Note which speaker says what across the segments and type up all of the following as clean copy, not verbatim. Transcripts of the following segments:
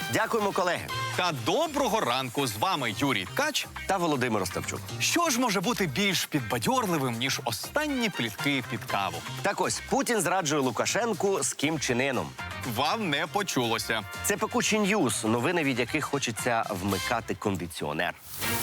Speaker 1: Дякуємо, колеги.
Speaker 2: Та доброго ранку! З вами Юрій Ткач.
Speaker 1: Та Володимир Остапчук.
Speaker 2: Що ж може бути більш підбадьорливим, ніж останні плітки під каву?
Speaker 1: Так ось, Путін зраджує Лукашенку з Кім Чен Іном.
Speaker 2: Вам не почулося.
Speaker 1: Це пекучі ньюс, новини, від яких хочеться вмикати кондиціонер.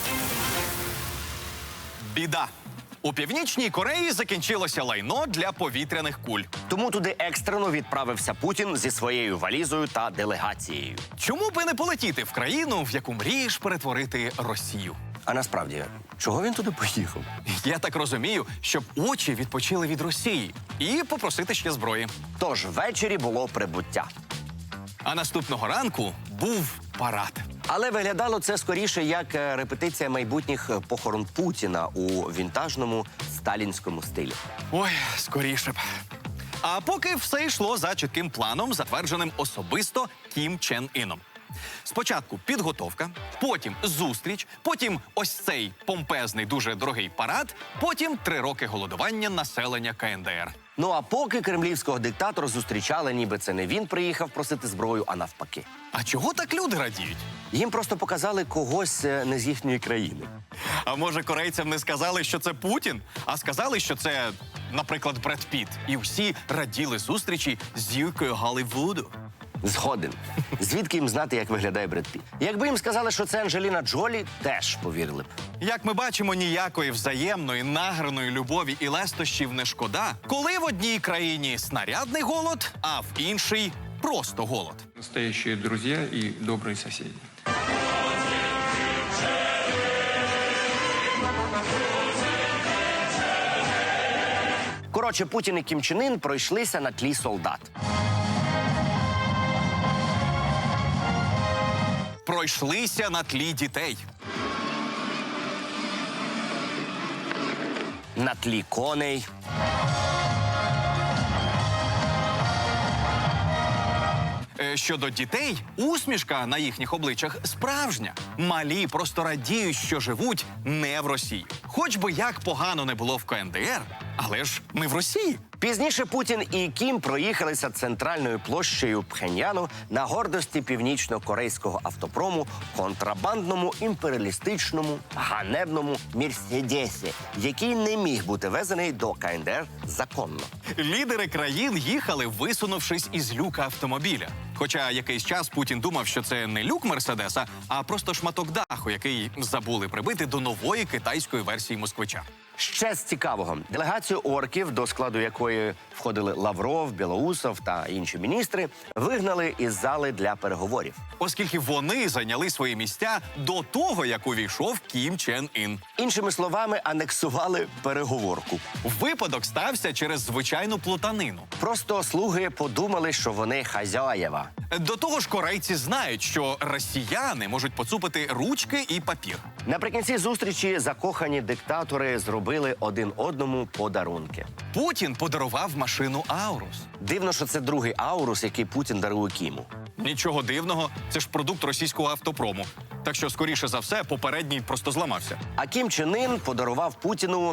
Speaker 2: Біда. У Північній Кореї закінчилося лайно для повітряних куль.
Speaker 1: Тому туди екстрено відправився Путін зі своєю валізою та делегацією.
Speaker 2: Чому би не полетіти в країну, в яку мрієш перетворити Росію?
Speaker 1: А насправді, чого він туди поїхав?
Speaker 2: Я так розумію, щоб очі відпочили від Росії і попросити ще зброї.
Speaker 1: Тож ввечері було прибуття.
Speaker 2: А наступного ранку був парад.
Speaker 1: Але виглядало це скоріше як репетиція майбутніх похорон Путіна у вінтажному сталінському стилі.
Speaker 2: Ой, скоріше б. А поки все йшло за чітким планом, затвердженим особисто Кім Чен Іном. Спочатку підготовка, потім зустріч, потім ось цей помпезний, дуже дорогий парад, потім 3 роки голодування населення КНДР.
Speaker 1: Ну а поки кремлівського диктатора зустрічали, ніби це не він приїхав просити зброю, а навпаки.
Speaker 2: А чого так люди радіють?
Speaker 1: Їм просто показали когось не з їхньої країни.
Speaker 2: А може, корейцям не сказали, що це Путін, а сказали, що це, наприклад, Бред Піт. І всі раділи зустрічі з зіркою Голлівуду.
Speaker 1: Згоден. Звідки їм знати, як виглядає Бред Піт? Якби їм сказали, що це Анджеліна Джолі, теж повірили б.
Speaker 2: Як ми бачимо, ніякої взаємної, награної любові і лестощів не шкода, коли в одній країні снарядний голод, а в іншій просто голод.
Speaker 3: Настоящие друзья и добрые соседи.
Speaker 1: Коротше, Путін і Кім Чен Ін пройшлися на тлі солдат.
Speaker 2: Пройшлися на тлі дітей.
Speaker 1: На тлі коней.
Speaker 2: Щодо дітей, усмішка на їхніх обличчях справжня. Малі просто радіють, що живуть не в Росії. Хоч би як погано не було в КНДР, але ж ми в Росії.
Speaker 1: Пізніше Путін і Кім проїхалися центральною площею Пхеньяну на гордості північно-корейського автопрому контрабандному, імперіалістичному, ганебному Мерседесі, який не міг бути везений до КНДР законно.
Speaker 2: Лідери країн їхали, висунувшись із люка автомобіля. Хоча якийсь час Путін думав, що це не люк Мерседеса, а просто шматок даху, який забули прибити до нової китайської версії москвича.
Speaker 1: Ще з цікавого. Делегацію орків, до складу якої входили Лавров, Білоусов та інші міністри, вигнали із зали для переговорів.
Speaker 2: Оскільки вони зайняли свої місця до того, як увійшов Кім Чен Ін.
Speaker 1: Іншими словами, анексували переговорку.
Speaker 2: Випадок стався через звичайну плутанину.
Speaker 1: Просто слуги подумали, що вони хазяєва.
Speaker 2: До того ж, корейці знають, що росіяни можуть поцупити ручки і папір.
Speaker 1: Наприкінці зустрічі закохані диктатори зробили один одному подарунки.
Speaker 2: Путін подарував машину Аурус.
Speaker 1: Дивно, що це другий Аурус, який Путін дарує Кіму.
Speaker 2: Нічого дивного, це ж продукт російського автопрому. Так що, скоріше за все, попередній просто зламався.
Speaker 1: А Кім Чен Ін подарував Путіну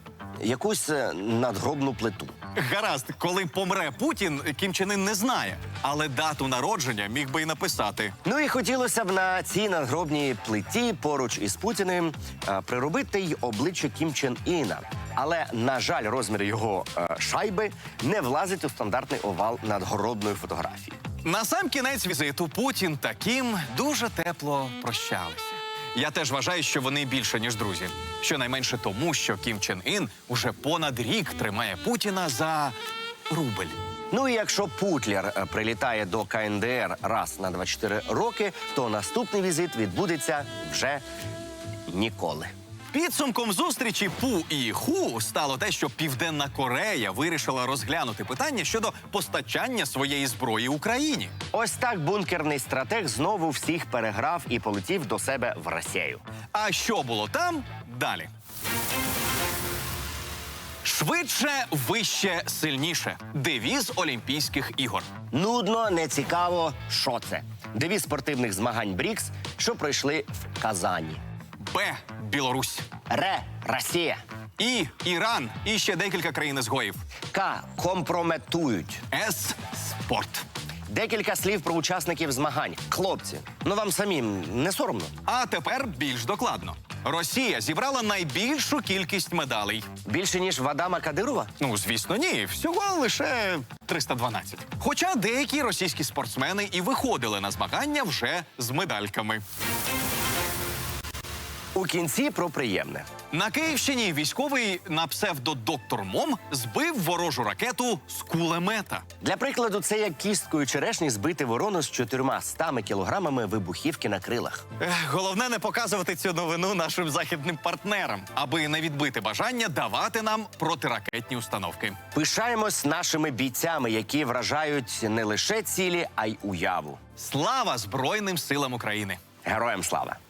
Speaker 1: якусь надгробну плиту.
Speaker 2: Гаразд, коли помре Путін, Кім Чен Ін не знає. Але дату народження міг би й написати.
Speaker 1: Ну і хотілося б на цій надгробній плиті поруч із Путіним приробити й обличчя Кім Чен Іна. Але, на жаль, розмір його шайби не влазить у стандартний овал надгробної фотографії.
Speaker 2: На сам кінець візиту Путін та Кім дуже тепло прощалися. Я теж вважаю, що вони більше, ніж друзі. Щонайменше тому, що Кім Чен Ін уже понад рік тримає Путіна за рубль.
Speaker 1: Ну і якщо Путлер прилітає до КНДР раз на 24 роки, то наступний візит відбудеться вже ніколи.
Speaker 2: Підсумком зустрічі Пу і Ху стало те, що Південна Корея вирішила розглянути питання щодо постачання своєї зброї Україні.
Speaker 1: Ось так бункерний стратег знову всіх переграв і полетів до себе в Росію.
Speaker 2: А що було там? Далі. Швидше, вище, сильніше. Девіз Олімпійських ігор.
Speaker 1: Нудно, нецікаво, що це? Девіз спортивних змагань БРІКС, що пройшли в Казані.
Speaker 2: Б. Білорусь.
Speaker 1: Р. Росія.
Speaker 2: І. Іран. І ще декілька країн-ізгоїв.
Speaker 1: К. Компрометують.
Speaker 2: С. Спорт.
Speaker 1: Декілька слів про учасників змагань. Хлопці, ну вам самим не соромно?
Speaker 2: А тепер більш докладно. Росія зібрала найбільшу кількість медалей.
Speaker 1: Більше, ніж в Адама Кадирова?
Speaker 2: Ну, звісно, ні. Всього лише 312. Хоча деякі російські спортсмени і виходили на змагання вже з медальками.
Speaker 1: У кінці про приємне.
Speaker 2: На Київщині військовий на псевдо «Доктор Мом» збив ворожу ракету з кулемета.
Speaker 1: Для прикладу, це як кісткою черешні збити ворону з 400 кілограмами вибухівки на крилах.
Speaker 2: Головне не показувати цю новину нашим західним партнерам, аби не відбити бажання давати нам протиракетні установки.
Speaker 1: Пишаємось нашими бійцями, які вражають не лише цілі, а й уяву.
Speaker 2: Слава Збройним силам України!
Speaker 1: Героям слава!